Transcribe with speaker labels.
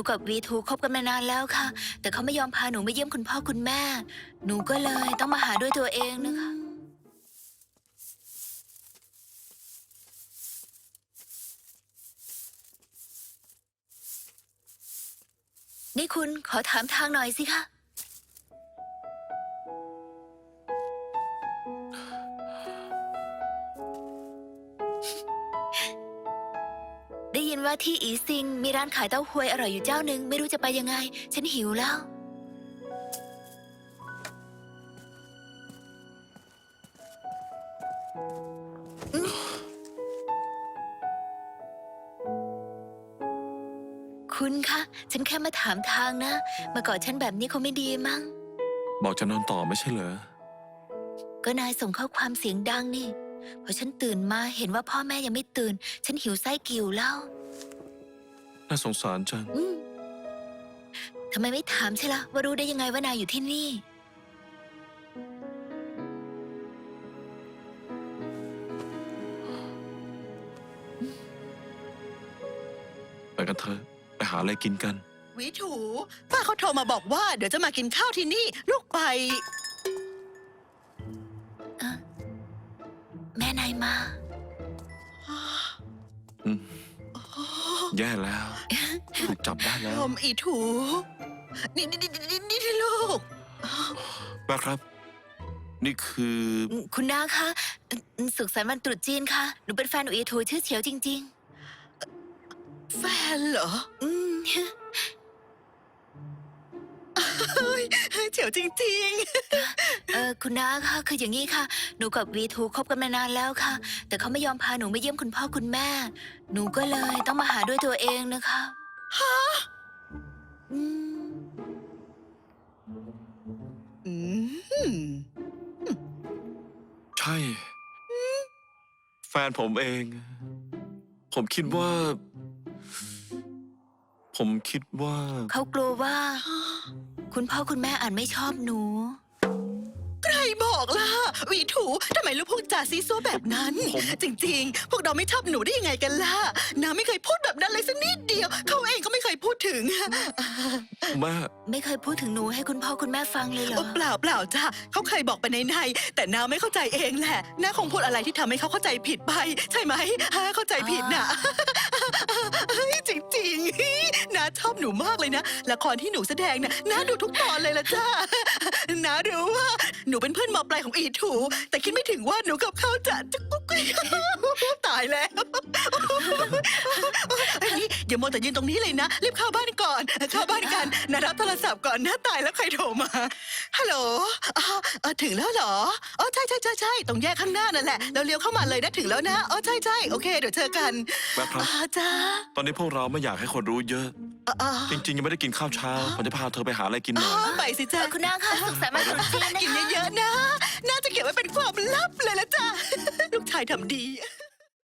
Speaker 1: กับวีทูคบกันมานานแล้วค่ะแต่เขาไม่ยอมพาหนูมาเยี่ยมคุณพ่อคุณแม่หนูก็เลยต้องมาหาด้วยตัวเองนะคะนี่คุณขอถามทางหน่อยสิคะได้ยินว่าที่อีซิงมีร้านขายเต้าหวยอร่อยอยู่เจ้าหนึ่งไม่รู้จะไปยังไงฉันหิวแล้วคุณคะฉันแค่มาถามทางนะมาก่อนฉันแบบนี้คงไม่ดีมั้ง
Speaker 2: บอกจะนอนต่อไม่ใช่เหรอ
Speaker 1: ก็นายส่งข้อความเสียงดังนี่พอฉันตื่นมาเห็นว่าพ่อแม่ยังไม่ตื่นฉันหิวไส้กิ่วแล้ว
Speaker 2: น่าสงสารจัง
Speaker 1: ทำไมไม่ถามใช่ละว่ารู้ได้ยังไงว่านายอยู่ที่นี่
Speaker 2: ไปกันเถอะไปหาอะไรกินกัน
Speaker 3: วิถูป้าเขาโทรมาบอกว่าเดี๋ยวจะมากินข้าวที่นี่ลูกไป
Speaker 1: แม่นายมา
Speaker 2: แย่แล้วถูกจับได้แล้ว
Speaker 3: อีถูนี่ลูก
Speaker 2: แม่ครับนี่คือ
Speaker 1: คุณน้าคะสุขสันต์วันตรุษจีนค่ะหนูเป็นแฟนอีทูชื่อเฉียวจริง
Speaker 3: แฟนเหรอเฉียวจริง
Speaker 1: ๆคุณน้าคะคืออย่างนี้ค่ะหนูกับวีทูคบกันมานานแล้วค่ะแต่เขาไม่ยอมพาหนูมาเยี่ยมคุณพ่อคุณแม่หนูก็เลยต้องมาหาด้วยตัวเองนะคะ
Speaker 3: ฮะ
Speaker 2: ใช่แฟนผมเองผมคิดว่า
Speaker 1: เขากลัวว่าคุณพ่อคุณแม่อาจไม่ชอบหนู
Speaker 3: ใครบอกล่ะวีถูทำไมลูกพูดจาซีซัวแบบนั้นจริงๆพวกเราไม่ชอบหนูได้ยังไงกันล่ะน้าไม่เคยพูดแบบนั้นเลยสักนิดเดียวเขาเองก็ไม่เคยพูดถึง
Speaker 2: แม่
Speaker 1: ไม่เคยพูดถึงหนูให้คุณพ่อคุณแม่ฟังเลยเหรอ
Speaker 3: เปล่าจ้ะเขาเคยบอกไปในแต่น้าไม่เข้าใจเองแหละน้าคงพูดอะไรที่ทำให้เขาเข้าใจผิดไปใช่ไหมเข้าใจผิดน่ะจริงๆน้าชอบหนูมากเลยนะละครที่หนูแสดงน่ะน้าดูทุกตอนเลยละจ้าน้ารู้ว่าหนูเป็นเพื่อนม.ปลายของอีถูแต่คิดไม่ถึงว่าหนูกับเขาจะกุ๊กตายแล้วอย่ามัวแต่ยืนตรงนี้เลยนะรีบเข้าบ้านก่อนเข้าบ้านกันนะรับโทรศัพท์ก่อนนะตายแล้วใครโทรมาฮัลโหลถึงแล้วเหรอใช่ตรงแยกข้างหน้านั่นแหละเราเลี้ยวเข้ามาเลยนะถึงแล้วนะใช่โอเคเดี๋ยวเจอกัน
Speaker 2: แม่ครับ
Speaker 3: จ้า
Speaker 2: ตอนนี้พวกเราไม่อยากให้คนรู้เยอะจริงๆยังไม่ได้กินข้าวเช้าผมจะพาเธอไปหาอะไรกินหน่อย
Speaker 3: ไปสิจ้า
Speaker 1: คุณนางค่ะสุขสันต์วันตรุษจีนนะคะ
Speaker 3: กินเยอะๆนะน่าจะเก็บไว้เป็นความลับเลยละจ้าลูกชายทำดี